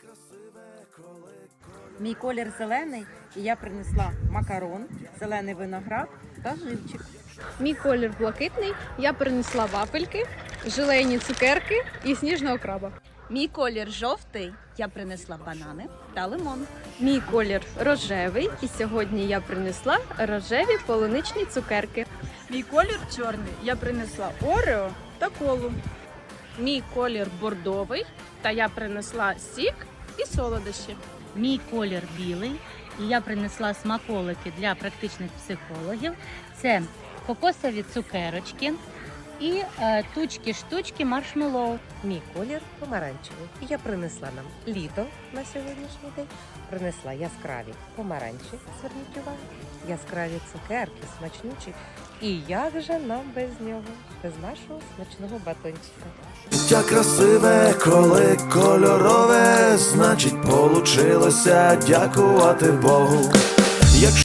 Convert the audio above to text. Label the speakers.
Speaker 1: Мій колір зелений, і я принесла макарон, зелений виноград та живчик.
Speaker 2: Мій колір блакитний, я принесла вафельки, желейні цукерки і сніжного краба.
Speaker 3: Мій колір жовтий, я принесла банани та лимон.
Speaker 2: Мій колір рожевий, і сьогодні я принесла рожеві полуничні цукерки.
Speaker 4: Мій колір чорний, я принесла орео та колу.
Speaker 5: Мій колір бордовий, та я принесла сік і солодощі.
Speaker 6: Мій колір білий, і я принесла смаколики для практичних психологів. Це кокосові цукерочки і тучки-штучки маршмеллоу.
Speaker 7: Мій колір помаранчевий. І я принесла нам літо на сьогоднішній день. Принесла яскраві помаранчі, зверніть увагу, яскраві цукерки, смачнючі. І як же нам без нього, без нашого смачного батончика?
Speaker 8: Життя красиве, коли кольорове, значить, получилося дякувати Богу.